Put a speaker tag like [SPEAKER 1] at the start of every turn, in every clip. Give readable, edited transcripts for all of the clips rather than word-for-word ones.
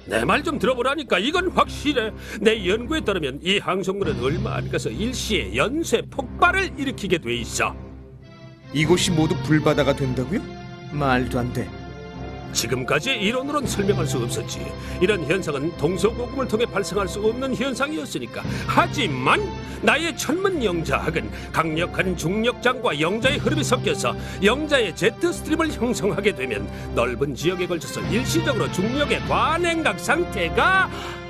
[SPEAKER 1] 내 말 좀 들어보라니까. 이건 확실해. 내 연구에 따르면 이 항성군은 얼마 안 가서 일시에 연쇄 폭발을 일으키게 돼 있어.
[SPEAKER 2] 이곳이 모두 불바다가 된다고요? 말도 안 돼.
[SPEAKER 1] 지금까지 이론으로는 설명할 수 없었지. 이런 현상은 동서고금을 통해 발생할 수 없는 현상이었으니까. 하지만 나의 천문 영자학은 강력한 중력장과 영자의 흐름이 섞여서 영자의 제트 스트림을 형성하게 되면 넓은 지역에 걸쳐서 일시적으로 중력의 과냉각 상태가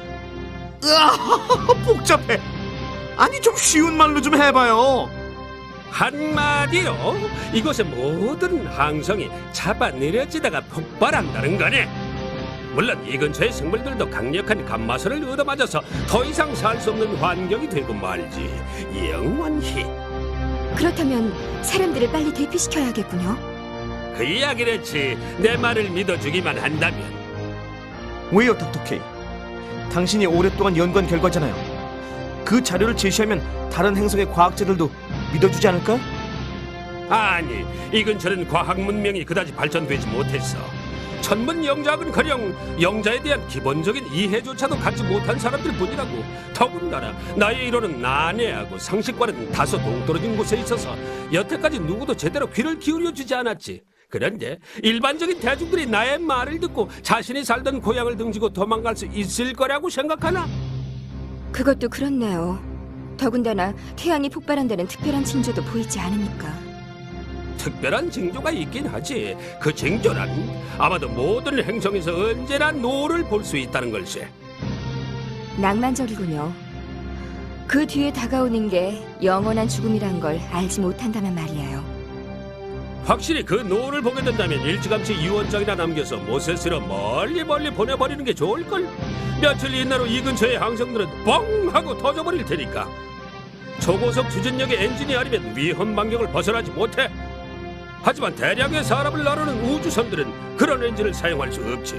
[SPEAKER 2] 으아, 복잡해. 아니 좀 쉬운 말로 좀 해봐요.
[SPEAKER 1] 한마디로 이곳의 모든 항성이 잡아내려지다가 폭발한다는 거네. 물론 이 근처의 생물들도 강력한 감마선을 얻어맞아서 더 이상 살 수 없는 환경이 되고 말지. 영원히.
[SPEAKER 3] 그렇다면 사람들을 빨리 대피시켜야겠군요.
[SPEAKER 1] 그 이야기랬지. 내 말을 믿어주기만 한다면.
[SPEAKER 2] 왜요, 닥터 K? 당신이 오랫동안 연구한 결과잖아요. 그 자료를 제시하면 다른 행성의 과학자들도 믿어주지 않을까?
[SPEAKER 1] 아니, 이 근처는 과학 문명이 그다지 발전되지 못했어. 천문 영자학은커녕 영자에 대한 기본적인 이해조차도 갖지 못한 사람들 뿐이라고. 더군다나 나의 이론은 난해하고 상식과는 다소 동떨어진 곳에 있어서 여태까지 누구도 제대로 귀를 기울여주지 않았지. 그런데 일반적인 대중들이 나의 말을 듣고 자신이 살던 고향을 등지고 도망갈 수 있을 거라고 생각하나?
[SPEAKER 3] 그것도 그렇네요. 더군다나 태양이 폭발한다는 특별한 징조도 보이지 않으니까.
[SPEAKER 1] 특별한 징조가 있긴 하지. 그 징조란 아마도 모든 행성에서 언제나 노를 볼 수 있다는 걸세.
[SPEAKER 3] 낭만적이군요. 그 뒤에 다가오는 게 영원한 죽음이란 걸 알지 못한다면 말이에요.
[SPEAKER 1] 확실히 그 노를 보게 된다면 일찌감치 유언장이나 남겨서 모세스로 멀리 보내버리는 게 좋을걸. 며칠 이내로 이 근처의 항성들은 뻥 하고 터져버릴 테니까. 초고속 추진력의 엔진이 아니면 위험 반경을 벗어나지 못해. 하지만 대량의 사람을 나르는 우주선들은 그런 엔진을 사용할 수 없지.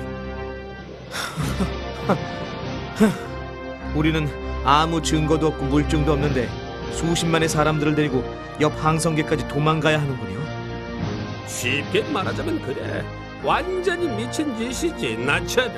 [SPEAKER 2] 우리는 아무 증거도 없고 물증도 없는데 수십만의 사람들을 데리고 옆 항성계까지 도망가야 하는군요.
[SPEAKER 1] 쉽게 말하자면 그래. 완전히 미친 짓이지, 나처럼.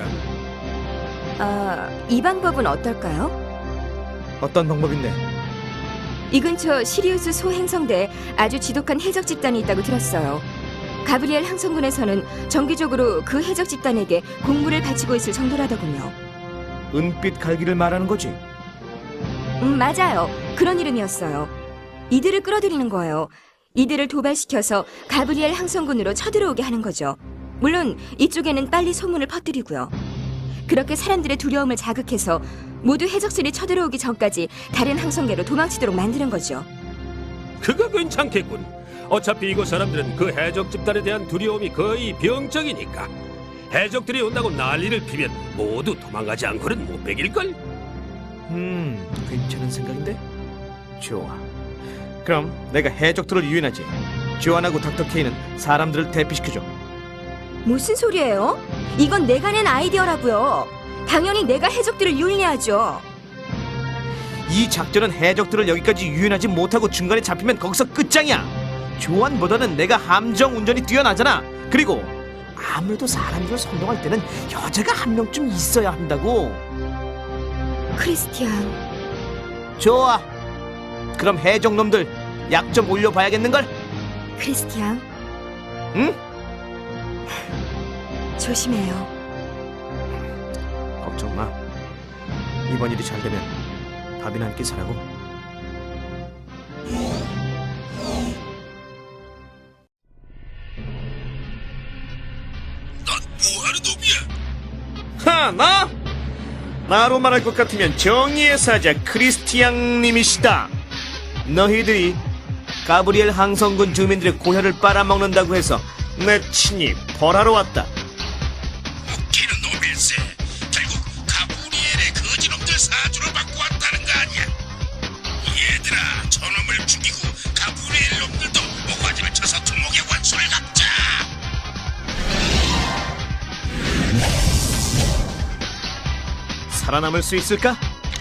[SPEAKER 3] 이 방법은 어떨까요?
[SPEAKER 2] 어떤 방법인데?
[SPEAKER 3] 이 근처 시리우스 소행성대에 아주 지독한 해적 집단이 있다고 들었어요. 가브리엘 항성군에서는 정기적으로 그 해적 집단에게 공물을 바치고 있을 정도라더군요.
[SPEAKER 2] 은빛 갈기를 말하는 거지?
[SPEAKER 3] 맞아요. 그런 이름이었어요. 이들을 끌어들이는 거예요. 이들을 도발시켜서 가브리엘 항성군으로 쳐들어오게 하는 거죠. 물론 이쪽에는 빨리 소문을 퍼뜨리고요. 그렇게 사람들의 두려움을 자극해서 모두 해적선이 쳐들어오기 전까지 다른 항성계로 도망치도록 만드는 거죠.
[SPEAKER 1] 그거 괜찮겠군. 어차피 이곳 사람들은 그 해적 집단에 대한 두려움이 거의 병적이니까. 해적들이 온다고 난리를 피면 모두 도망가지 않고는 못 베길걸?
[SPEAKER 2] 괜찮은 생각인데? 좋아. 그럼 내가 해적들을 유인하지. 조안하고 닥터 K는 사람들을 대피시켜줘.
[SPEAKER 3] 무슨 소리예요? 이건 내가 낸 아이디어라고요. 당연히 내가 해적들을 유인해야죠.
[SPEAKER 2] 이 작전은 해적들을 여기까지 유인하지 못하고 중간에 잡히면 거기서 끝장이야. 조안보다는 내가 함정 운전이 뛰어나잖아. 그리고 아무래도 사람들을 선동할 때는 여자가 한 명쯤 있어야 한다고.
[SPEAKER 3] 크리스티안.
[SPEAKER 2] 좋아. 그럼 해적놈들 약 좀 올려봐야겠는걸?
[SPEAKER 3] 크리스티안.
[SPEAKER 2] 응?
[SPEAKER 3] 조심해요.
[SPEAKER 2] 걱정 마. 이번 일이 잘 되면 밥이나 한 끼 사라고.
[SPEAKER 1] 넌 뭐하는 놈이야?
[SPEAKER 2] 하, 나? 나로 말할 것 같으면 정의의 사자 크리스티앙님이시다. 너희들이 가브리엘 항성군 주민들의 고혈을 빨아먹는다고 해서 내 친히 벌하러 왔다.
[SPEAKER 1] 웃기는 놈일세. 결국 가브리엘의 거지놈들 사주를 받고 왔다는 거 아니야? 얘들아, 저놈을 죽이고 가브리엘 놈들도 모가지를 쳐서 두목의 원수를 갚자.
[SPEAKER 2] 살아남을 수 있을까?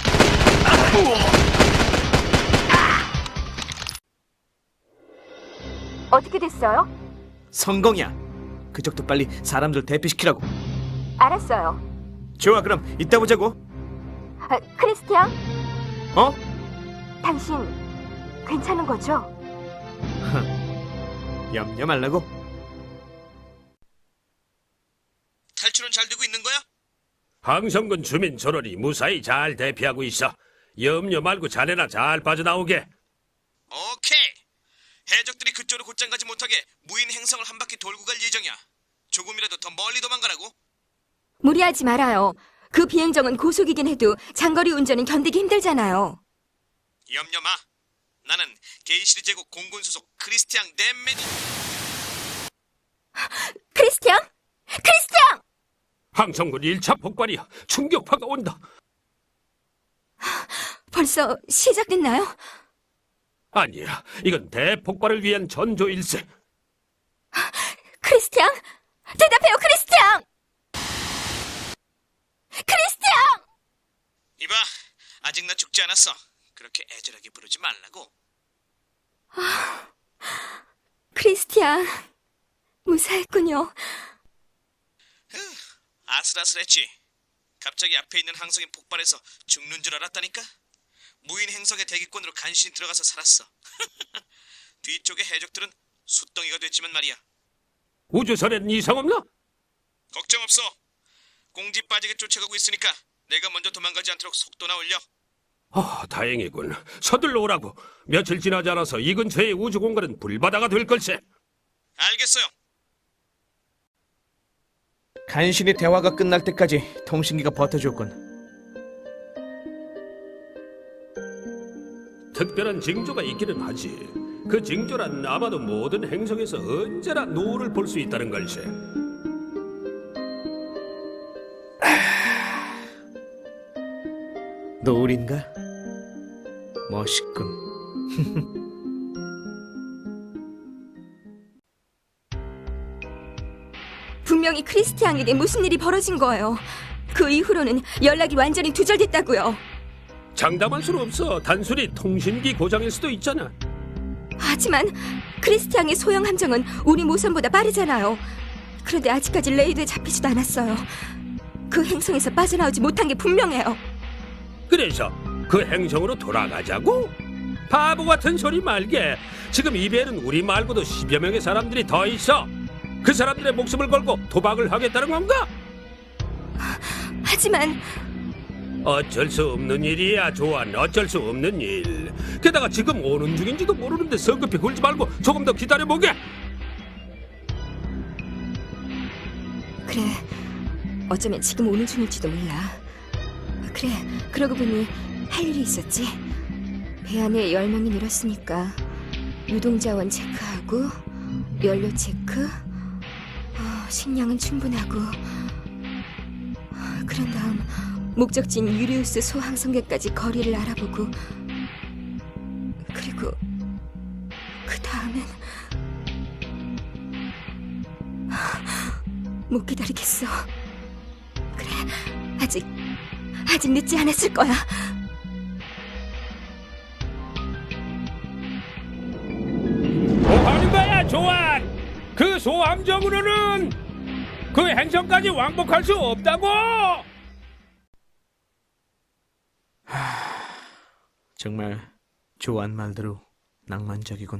[SPEAKER 3] 어떻게 됐어요?
[SPEAKER 2] 성공이야. 그쪽도 빨리 사람들 대피시키라고.
[SPEAKER 3] 알았어요.
[SPEAKER 2] 좋아, 그럼 이따 보자고.
[SPEAKER 3] 크리스티앙,
[SPEAKER 2] 어?
[SPEAKER 3] 당신 괜찮은 거죠?
[SPEAKER 2] 염려 말라고. 탈출은 잘 되고 있는 거야?
[SPEAKER 1] 항성군 주민 전원이 무사히 잘 대피하고 있어. 염려 말고 자네나 잘 빠져나오게.
[SPEAKER 2] 오케이. 해적들이 그쪽으로 곧장 가지 못하게 무인 행성을 한 바퀴 돌고 갈 예정이야. 조금이라도 더 멀리 도망가라고.
[SPEAKER 3] 무리하지 말아요. 그 비행정은 고속이긴 해도 장거리 운전은 견디기 힘들잖아요.
[SPEAKER 2] 염려 마. 나는 게이시르 제국 공군 소속 크리스티앙 댐맨이.
[SPEAKER 3] 크리스티앙! 크리스티앙!
[SPEAKER 1] 항성군 1차 폭발이야. 충격파가 온다.
[SPEAKER 3] 벌써 시작됐나요?
[SPEAKER 1] 아니야, 이건 대폭발을 위한 전조일세.
[SPEAKER 3] 크리스티앙! 대답해요, 크리스티앙! 크리스티앙!
[SPEAKER 2] 이봐, 아직 나 죽지 않았어. 그렇게 애절하게 부르지 말라고.
[SPEAKER 3] 크리스티앙, 무사했군요.
[SPEAKER 2] 아슬아슬했지. 갑자기 앞에 있는 항성이 폭발해서 죽는 줄 알았다니까. 무인 행성의 대기권으로 간신히 들어가서 살았어. 뒤쪽의 해적들은 숫덩이가 됐지만 말이야.
[SPEAKER 1] 우주선에는 이상 없나?
[SPEAKER 2] 걱정 없어. 공지 빠지게 쫓아가고 있으니까 내가 먼저 도망가지 않도록 속도나 올려.
[SPEAKER 1] 다행이군. 서둘러 오라고. 며칠 지나지 않아서 이 근처의 우주 공간은 불바다가 될 걸세.
[SPEAKER 2] 알겠어요. 간신히 대화가 끝날 때까지 통신기가 버텨줬군.
[SPEAKER 1] 특별한 징조가 있기는 하지. 그 징조란 아마도 모든 행성에서 언제나 노을을 볼 수 있다는 걸세.
[SPEAKER 2] 노을인가? 멋있군.
[SPEAKER 3] 분명히 크리스티앙에게 무슨 일이 벌어진 거예요. 그 이후로는 연락이 완전히 두절됐다고요.
[SPEAKER 1] 장담할 수는 없어. 단순히 통신기 고장일 수도 있잖아.
[SPEAKER 3] 하지만 크리스티앙의 소형 함정은 우리 모선보다 빠르잖아요. 그런데 아직까지 레이드에 잡히지도 않았어요. 그 행성에서 빠져나오지 못한 게 분명해요.
[SPEAKER 1] 그래서 그 행성으로 돌아가자고? 바보 같은 소리 말게. 지금 이 배에는 우리 말고도 10여 명의 사람들이 더 있어. 그 사람들의 목숨을 걸고 도박을 하겠다는 건가?
[SPEAKER 3] 하지만
[SPEAKER 1] 어쩔 수 없는 일이야, 조안. 어쩔 수 없는 일. 게다가 지금 오는 중인지도 모르는데 성급히 굴지 말고 조금 더 기다려보게.
[SPEAKER 3] 그래, 어쩌면 지금 오는 중일지도 몰라. 그래, 그러고 보니 할 일이 있었지. 배 안에 10명이 늘었으니까 유동자원 체크하고 연료 체크, 식량은 충분하고, 그런 다음 목적지인 유리우스 소항성계까지 거리를 알아보고, 그리고 그 다음엔 못 기다리겠어. 그래, 아직 늦지 않았을 거야.
[SPEAKER 1] 뭐 하는 거야, 조안? 그 소함정으로는 그 행성까지 왕복할 수 없다고!
[SPEAKER 2] 정말 조안 말대로 낭만적이군.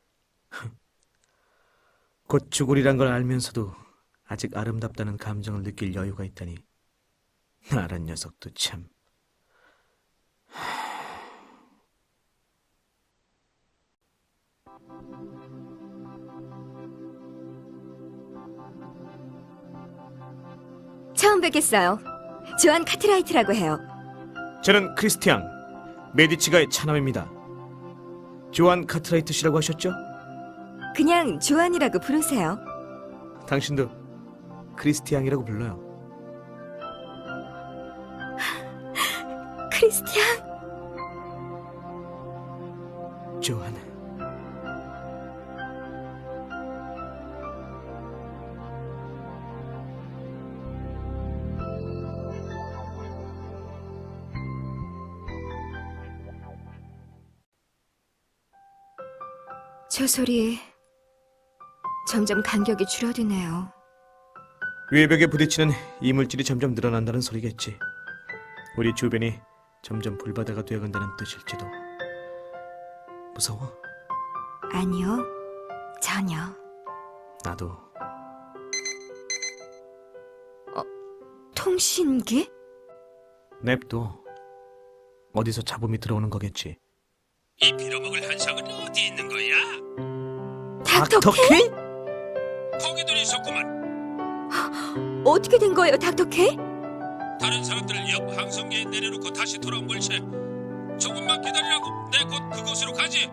[SPEAKER 2] 곧 죽으리란 걸 알면서도 아직 아름답다는 감정을 느낄 여유가 있다니. 나란 녀석도 참.
[SPEAKER 3] 처음 뵙겠어요. 조안 카트라이트라고 해요.
[SPEAKER 2] 저는 크리스티앙 메디치가의 차남입니다. 조안 카트라이트 씨라고 하셨죠?
[SPEAKER 3] 그냥 조안이라고 부르세요.
[SPEAKER 2] 당신도 크리스티앙이라고 불러요.
[SPEAKER 3] 크리스티앙?
[SPEAKER 2] 조안.
[SPEAKER 3] 저 소리 점점 간격이 줄어드네요.
[SPEAKER 2] 외벽에 부딪히는 이물질이 점점 늘어난다는 소리겠지. 우리 주변이 점점 불바다가 되어간다는 뜻일지도. 무서워?
[SPEAKER 3] 아니요, 전혀.
[SPEAKER 2] 나도.
[SPEAKER 3] 통신기?
[SPEAKER 2] 냅둬. 어디서 잡음이 들어오는 거겠지.
[SPEAKER 1] 이 빌어먹을 한상은 어디 있는 거야?
[SPEAKER 3] 닥터 K?
[SPEAKER 1] 거기도 있었구만.
[SPEAKER 3] 어떻게 된 거예요, 닥터 K?
[SPEAKER 1] 다른 사람들을 옆 항성계에 내려놓고 다시 돌아온 걸세. 조금만 기다리라고. 내 곧 그곳으로 가지.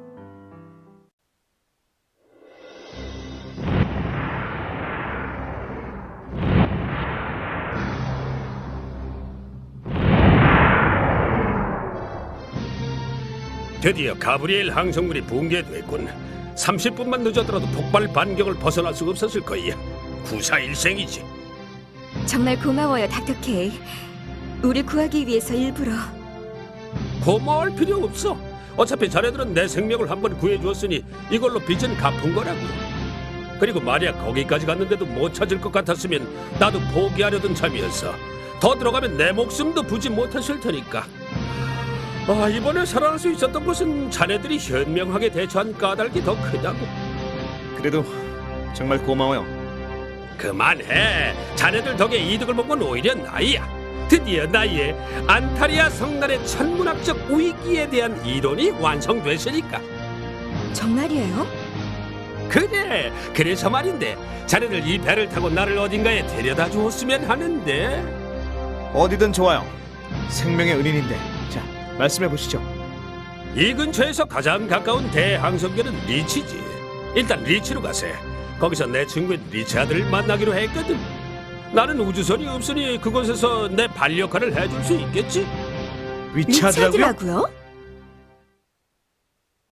[SPEAKER 1] 드디어 가브리엘 항성물이 붕괴됐군. 30분만 늦어더라도 폭발 반경을 벗어날 수 없었을 거야. 구사일생이지.
[SPEAKER 3] 정말 고마워요, 닥터 K. 우리 구하기 위해서 일부러.
[SPEAKER 1] 고마울 필요 없어. 어차피 자네들은 내 생명을 한번 구해주었으니 이걸로 빚은 갚은 거라고. 그리고 만약 거기까지 갔는데도 못 찾을 것 같았으면 나도 포기하려던 참이었어. 더 들어가면 내 목숨도 부지 못했을 테니까. 이번에 살아날 수 있었던 것은 자네들이 현명하게 대처한 까닭이 더 크다고.
[SPEAKER 2] 그래도 정말 고마워요.
[SPEAKER 1] 그만해. 자네들 덕에 이득을 본 건 오히려 나야. 드디어 나의 안타리아 성난의 천문학적 위기에 대한 이론이 완성됐으니까.
[SPEAKER 3] 정말이에요?
[SPEAKER 1] 그래. 그래서 말인데 자네들 이 배를 타고 나를 어딘가에 데려다 주었으면 하는데.
[SPEAKER 2] 어디든 좋아요. 생명의 은인인데. 자, 말씀해 보시죠.
[SPEAKER 1] 이 근처에서 가장 가까운 대항성계는 리치지. 일단 리치로 가세. 거기서 내 친구인 리차드를 만나기로 했거든. 나는 우주선이 없으니 그곳에서 내 반역할을 해줄 수 있겠지?
[SPEAKER 2] 리차드라고요?
[SPEAKER 3] 리차드라고요?